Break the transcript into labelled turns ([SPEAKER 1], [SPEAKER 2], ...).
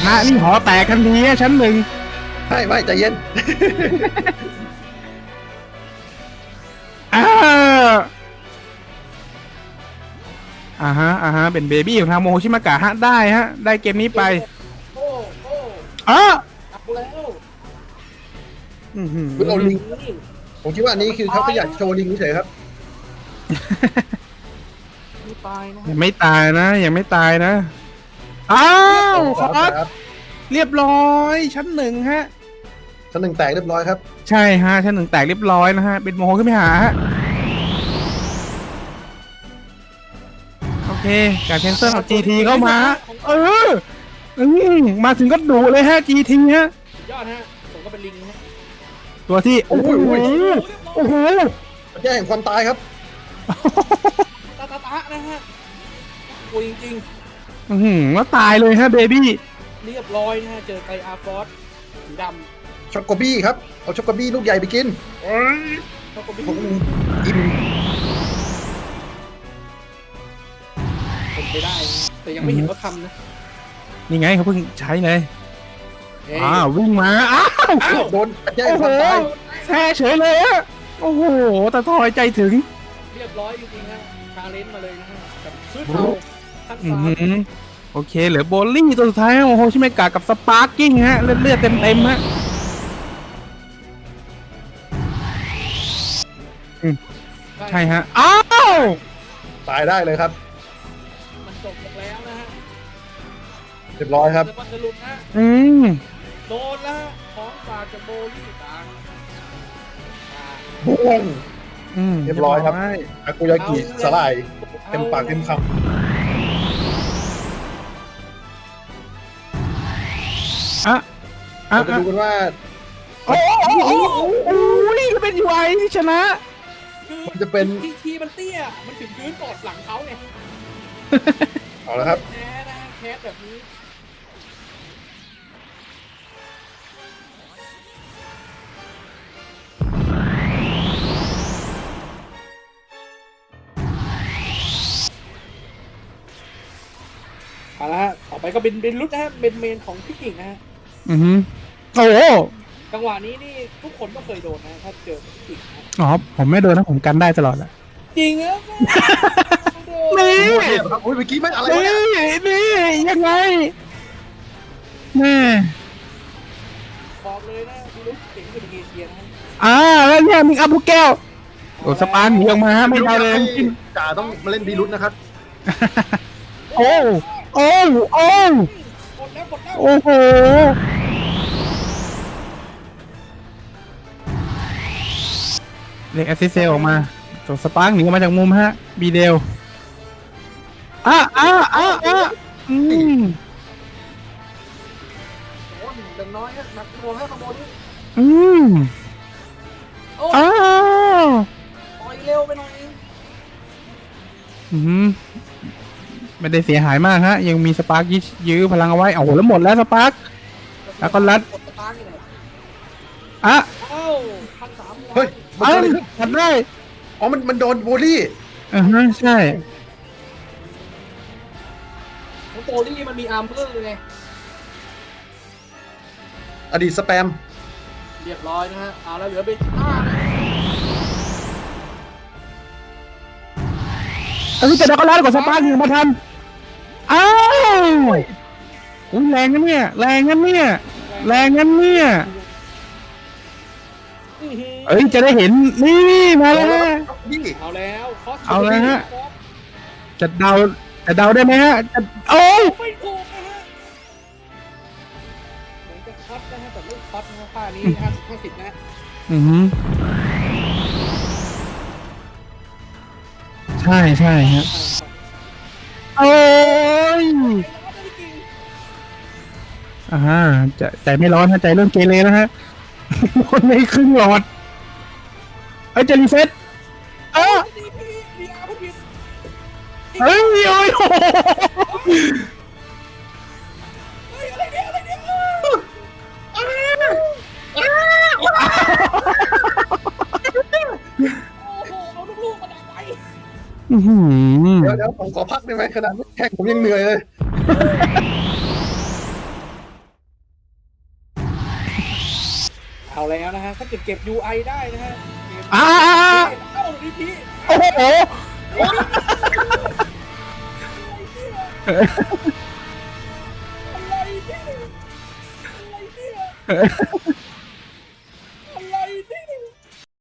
[SPEAKER 1] นะนี่หอแตกทันทีชั้นหนึ่ง
[SPEAKER 2] ไม่ใจเย็น
[SPEAKER 1] อ่าฮะเป็นเบบี้ของทางโมโฮชิมากะฮะได้ฮะได้เกมนี้ไป
[SPEAKER 3] โอ้
[SPEAKER 1] อ๋อ
[SPEAKER 3] เอาแล้ว
[SPEAKER 2] คุณเอาลิงผมคิดว่าอันนี้คือเขาอยากโชว์ลิงเฉยครับ
[SPEAKER 3] ไม่ตายนะ
[SPEAKER 1] ยังไม่ตายนะยังไม่ตายนะอ้าวคอสเรียบร้อยชั้นหนึ่งฮะ
[SPEAKER 2] ชั้นหนึ่งแตกเรียบร้อยครับ
[SPEAKER 1] ใช่ฮะชั้นหนึ่งแตกเรียบร้อยนะฮะเป็นโมโหขึ้นไปหาฮะโอเคการแคนเซิลเอา GT เข้ามามาถึงก็ดุเลยฮะ GT ฮะ
[SPEAKER 3] ยอดฮะผมก็เป็นลิงฮะ
[SPEAKER 1] ตัวที่โอ้โห
[SPEAKER 2] แย่งความตายครับ
[SPEAKER 3] ตานะฮะโอ้ยจริง
[SPEAKER 1] แล้วตายเลยฮะเบบี้
[SPEAKER 3] เรียบร้อยนะฮะเจอไกอาร์ฟอสสีด
[SPEAKER 2] ำช็อกโกบี้ครับเอาช็อกโกบี้ลูกใหญ่ไปกิน
[SPEAKER 3] ช็อกโกบี้
[SPEAKER 2] อิ่ม
[SPEAKER 3] เป็นไปได้แต่ยังไม่เห็นเขาทำนะ
[SPEAKER 1] นี่ไงเขาเพิ่งใช้เลยวิ่งมา
[SPEAKER 2] โดนแย่งความตาย
[SPEAKER 1] แช่เฉยเลยอะโอ้โหแต่ทอยใจถึง
[SPEAKER 3] เรียบร้อยจริงๆฮะชาเลนจ์มาเลยนะฮะกับชุดเอาขั้นฟ้า
[SPEAKER 1] โอเคเหลือโบลิ่งตัวสุดท้ายโอ้โหชิเมกะกับสปาร์กิ้งฮะเลือดเต็มฮะใช่ฮะอ้าว
[SPEAKER 2] ตายได้เลยครับ
[SPEAKER 3] มันจบแล้วนะฮะ
[SPEAKER 2] เรียบร้อยครับ
[SPEAKER 3] จะหลุดนะโดนแล้วของฝากจากโบลิ่งต่าง
[SPEAKER 2] บุ้งเรียบร้อยครับอากุยากิสลายเต็มปากเต็มคำเราจะดูกันว่า
[SPEAKER 1] โอ้นี่ก็เป็นยูไอที่ชนะ
[SPEAKER 2] มันจะเป็น
[SPEAKER 3] ทีมันเตี้ยมันถึงพื้นกอดหลังเขาเนี่ย
[SPEAKER 2] เอาละครับ
[SPEAKER 3] แพ้นะแพ้แบบนี้เอาละฮะต่อไปก็เป็นรุดนะฮะเป็นเมนของพี่กิ่งนะฮะ
[SPEAKER 1] โอ้
[SPEAKER 3] จังหวะนี้นี่ทุกคนก็เคยโดนนะถ้าเจอพี่กิ่ง
[SPEAKER 1] อ๋อผมไม่โดนนะผมกันได้ตลอดแหละ
[SPEAKER 3] จริงเหรอ
[SPEAKER 1] นี่
[SPEAKER 2] ครับเมื่อกี้ไม่อะไร
[SPEAKER 1] นี่ยังไงแม่
[SPEAKER 3] บอกเลยนะพี่รุดเก่งเป็นเอเชียนะ
[SPEAKER 1] แล้วเนี่ยมิงอัพลูกแก้วโอ้สปาร์หนีออกมาไม่ได้เลย
[SPEAKER 2] จ่าต้องมาเล่นดีรุดนะครับ
[SPEAKER 1] โอ้โหเรียกแอสซิสเซลออกมาส่งสปาร์กหนีออกมาจากมุมฮะบีเดล
[SPEAKER 3] ดังน้อยฮะหนักหน่วงฮะขโมยปล่อยเร็วไปหน่อย
[SPEAKER 1] ไม่ได้เสียหายมากฮะยังมีสปาร์กยื้อพลังเอาไว้โอ้โหแล้วหมดแล้วสปาร์กแล้วก็รัด
[SPEAKER 2] เฮ้ย
[SPEAKER 1] มันได้
[SPEAKER 2] อ๋อมันโดนโบลี่
[SPEAKER 1] ใช่
[SPEAKER 3] โบลี่มันมีอาร์เมอร์ไง
[SPEAKER 2] อดีตสแปม
[SPEAKER 3] เรียบร้อยนะฮะเอาแล้วเหลือเบจิต้า
[SPEAKER 1] จะได้ก็รัดกว่าสปาร์กมาทันแรงงั้นเนี่ยจะได้เห็นนี่มาแล้ว
[SPEAKER 3] เอาแล้ว
[SPEAKER 1] ฮะจะเดาได้ไหมฮะ
[SPEAKER 3] ไม่ถูกนะฮะเหมือนจะคัดนะฮะแต่ไม่คัดนะค่านี้50นะ
[SPEAKER 1] ใช่ฮะจะใจไม่ร้อนฮะใจเริ่มเกเรแล้วฮะคนในครึ่งหลอดจะรีเซ็ตโอ้
[SPEAKER 3] เอาลูกๆมาดักไว้
[SPEAKER 2] เดี๋ยวผมขอพักได้ไหมขนาดแข่งผมยังเหนื่อยเลย
[SPEAKER 3] ฮะถ้าเกิดเก็บ UI ได้นะฮะเกม
[SPEAKER 1] อ่า
[SPEAKER 3] เอ้าดีพี
[SPEAKER 1] โอ้โห
[SPEAKER 3] อะไรเนี่ยอะไรเนี่ย